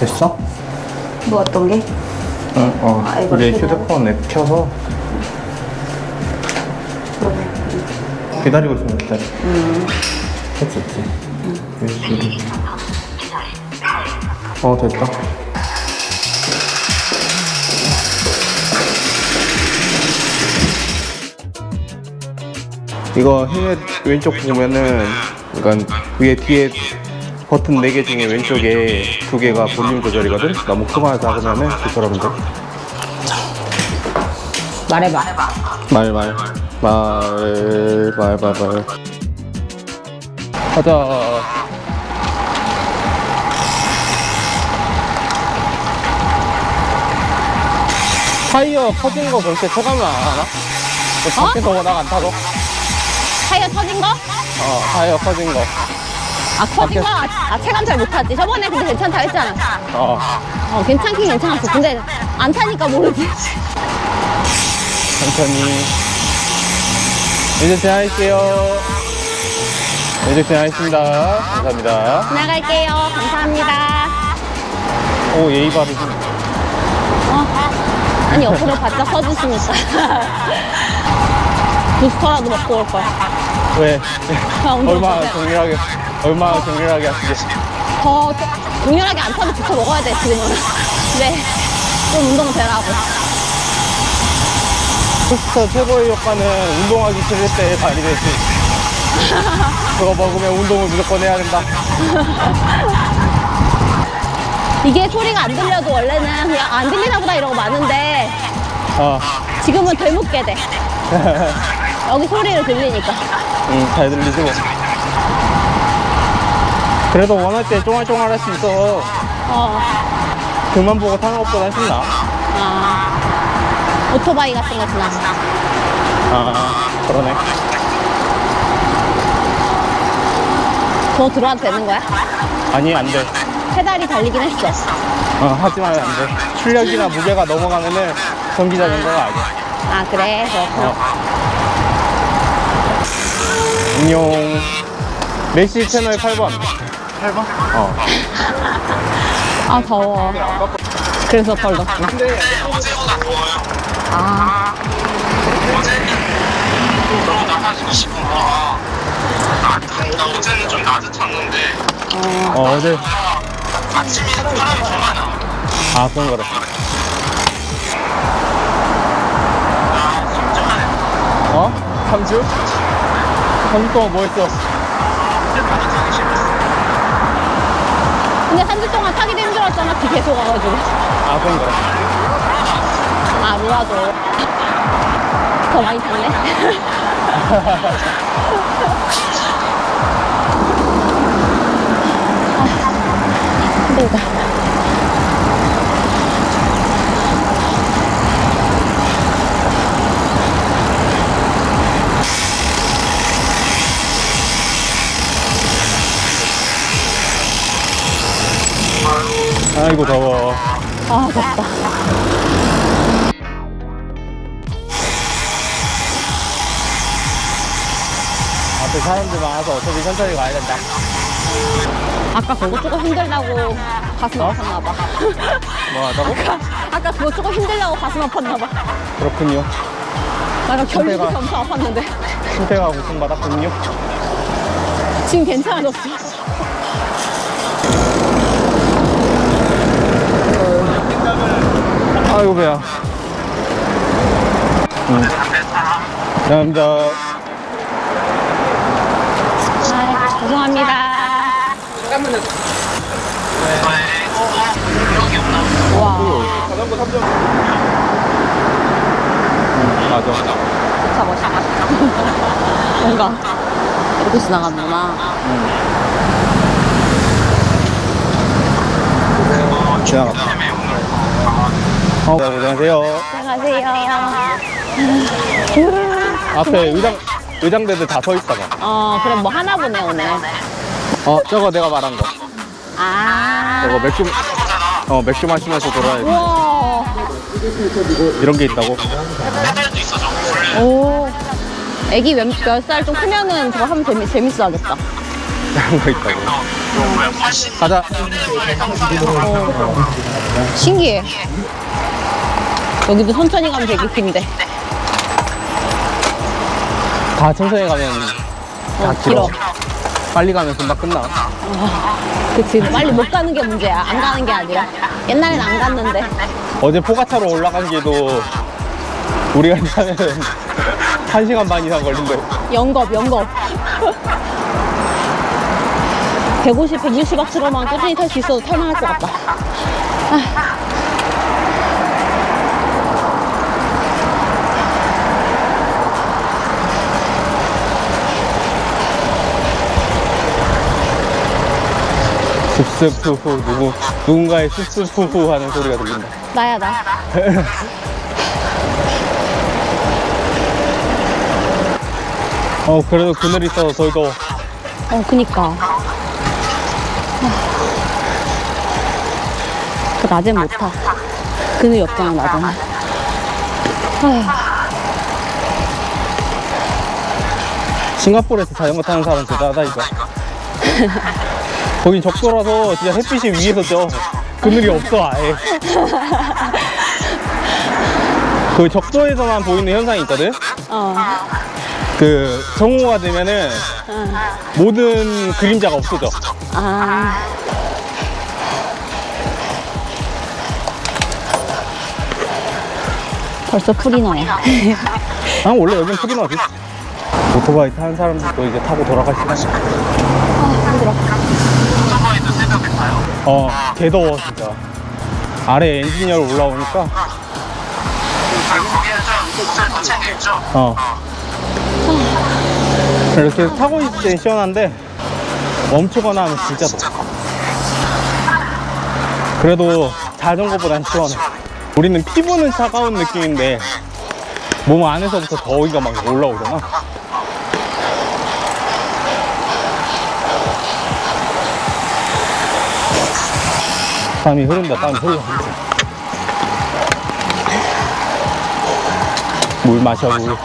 됐어? 뭐 어떤 게? 응, 아, 이거 이제 켜고? 휴대폰 앱 켜서 그러네. 기다리고 있으면 기다려. 했었지. USB. 됐다. 이거 힐 왼쪽 보면은, 그러니까 위에 뒤에 버튼 4개 중에 왼쪽에 2개가 볼륨 조절이거든? 너무 크거나 작으면은 조절하면 돼. 말해봐. 말. 가자. 타이어 커진 거 그렇게 체감을 안 하나? 밖에서 워낙 안 타서? 타이어 터진 거? 타이어 커진 거. 아, 터진 거? 체감 잘 못하지. 저번에 근데 괜찮다 했잖아. 괜찮긴 괜찮았어. 근데 안 타니까 모르지. 천천히. 이제 지나갈게요. 이제 지나가겠습니다. 감사합니다. 지나갈게요. 감사합니다. 오, 예의 바르시. 아니, 옆으로 바짝 서주시니까. 부스터라도 먹고 올 거야. 왜? 운동 얼마나 못해요. 정밀하게 하시게. 더 격렬하게 안 타도 부터 먹어야 돼, 지금은. 네. 좀 운동은 되라고. 부스터 최고의 효과는 운동하기 싫을 때 발휘되지. 그거 먹으면 운동을 무조건 해야 된다. 이게 소리가 안 들려도 원래는 그냥 안 들리나 보다 이러고 마는데 지금은 되묻게 돼. 여기 소리를 들리니까. 잘 들리지 뭐. 그래도 원할 때 쫑알쫑알 할 수 있어. 그만 보고 타는 것보다 훨씬 나아. 오토바이 같은 거 지나가. 그러네. 더 들어와도 되는 거야? 아니, 안 돼. 페달이 달리긴 했어. 하지만 안 돼. 출력이나 무게가 넘어가면은 전기 자전거가 아니야. 아, 그래? 그렇구나. 안녕. 메시 채널 8번. 8번? 아, 더워. 그래서 덜 덥구나. 근데 어제보다 더워요. 어제는 그러다 한 20분가 나 어제는 좀 낮에 탔는데 어제. 아침에 사람이 더 많아. 그런 거라. 나 3주? 3주 동안 뭐 했어? 근데 3주 동안 타기도 힘들었잖아. 비 계속 와가지고. 그런 거라. 루아도. 더 많이 탔네. 힘들다. 아이고, 더워. 덥다. 앞에 사람들 많아서 어차피 천천히 가야 된다. 아까 그거 조금 힘들다고 가슴 아팠나 봐. 뭐 하자고? 아까 그거 조금 힘들다고 가슴 아팠나 봐. 그렇군요. 나 결국에 상태가- 엄청 아팠는데. 신태가 고통받았군요. 지금 괜찮아졌어. 아이고, 배야. 감사합니다. 죄송합니다. 여기 없나? 와, 자전거 3점. 맞아. 진짜 멋있다. 뭔가 이렇게 지나가는구나. 지나갔다. 안녕하세요. 안녕하세요. 앞에 의장대들 다 서 있다가. 그럼 뭐 하나 보네, 오늘. 저거 내가 말한 거. 저거 맥주 마시면서 돌아야 돼. 우와. 이런 게 있다고. 페달도 있어 저거 원래. 오. 애기 몇 살 좀 크면은 저거 하면 재밌어 하겠다. 다른 거 있다고. 뭐야 80 가자. 신기해. 여기도 천천히 가면 되게 긴데. 다 천천히 가면 다 길어. 빨리 가면 금방 끝나. 그치. 빨리 못 가는 게 문제야. 안 가는 게 아니라. 옛날엔 안 갔는데. 어제 포가차로 올라간 길도 우리가 타면 1시간 반 이상 걸린대. 영겁. 150, 160박스로만 꾸준히 탈 수 있어도 탈만할 것 같다. 습습후후 누군가의 습습후후 하는 소리가 들린다. 나야, 나. 그래도 그늘이 있어서 저희도 그니까. 그 낮엔 못 타. 그늘이 없잖아, 낮에는. 아휴. 싱가포르에서 자전거 타는 사람 대단하다니까. 거긴 적도라서 진짜 햇빛이 위에서 져. 그늘이 없어 아예. 그 적도에서만 보이는 현상이 있거든. 그 정오가 되면은 모든 그림자가 없어져. 벌써 풀이 나네. 원래 여긴 풀이 나지. 오토바이 타는 사람들도 이제 타고 돌아갈 시간이야. 힘들어. 오토바이도 새벽에 타요? 개 더워 진짜. 아래 엔지니어로 올라오니까. 거기는 좀 옷을 더 챙겨입죠? 이렇게 타고 있을 땐 시원한데 멈추거나 하면 진짜 더워. 그래도 자전거보단 시원해. 우리는 피부는 차가운 느낌인데 몸 안에서부터 더위가 막 올라오잖아. 땀이 흐른다. 땀이 흘러. 물 마셔 물.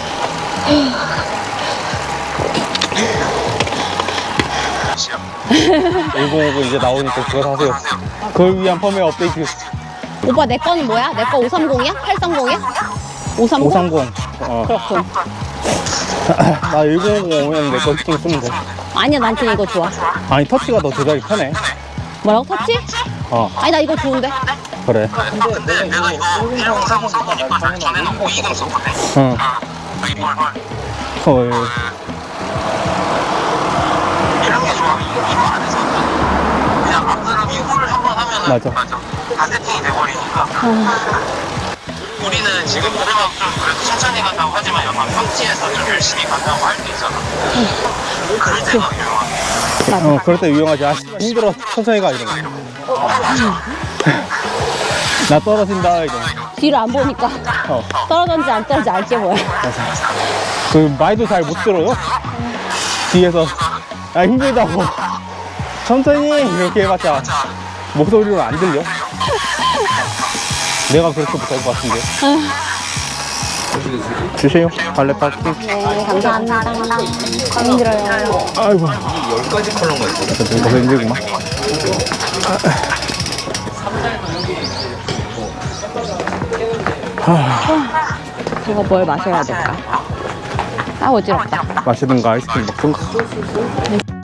105고 이제 나오니까 그거 사세요. 그걸 위한 펌웨어 업데이트. 오빠 내 거는 뭐야? 내 거 530이야? 830이야? 530? 530. 그렇군. 나 1050 오면 내 거 히팅 쓰면 돼. 아니야, 난 그냥 이거 좋아. 아니 터치가 더 조작이 편해. 뭐라고? 터치? 어 아니, 나 이거 좋은데. 그래. 근데 내가 이거 1030 써보니까 전에는 520 썼거든? 응. 헐. 이런 게 좋아. 이거 안에서는 그냥 앞사람 이거를 한번 하면은 맞아. 다 세팅이 돼버리니까. 우리는 지금 노래방 좀 그래도 천천히 간다고 하지만 약간 평지에서 좀 열심히 간다고 할 수 있잖아. 그럴 때가 유용하네. 그럴 때 유용하지. 아 힘들어 천천히 가 이러면. 나 떨어진다 이러면. 뒤를 안 보니까 떨어졌는지 안 떨어진지 알게 뭐야. 그 말도 잘 못 들어요. 뒤에서 아 힘들다고 천천히 이렇게 해봤자 목소리로 안 들려. 내가 그렇게 못할 것 같은데. 주세요. 발레바퀴. 네, 감사합니다. 힘들어요. 아이고. 10가지 컬러가 있어. 이거 힘들구만. 이거 뭘 마셔야 될까? 어지럽다. 마시든가 아이스크림 먹든가.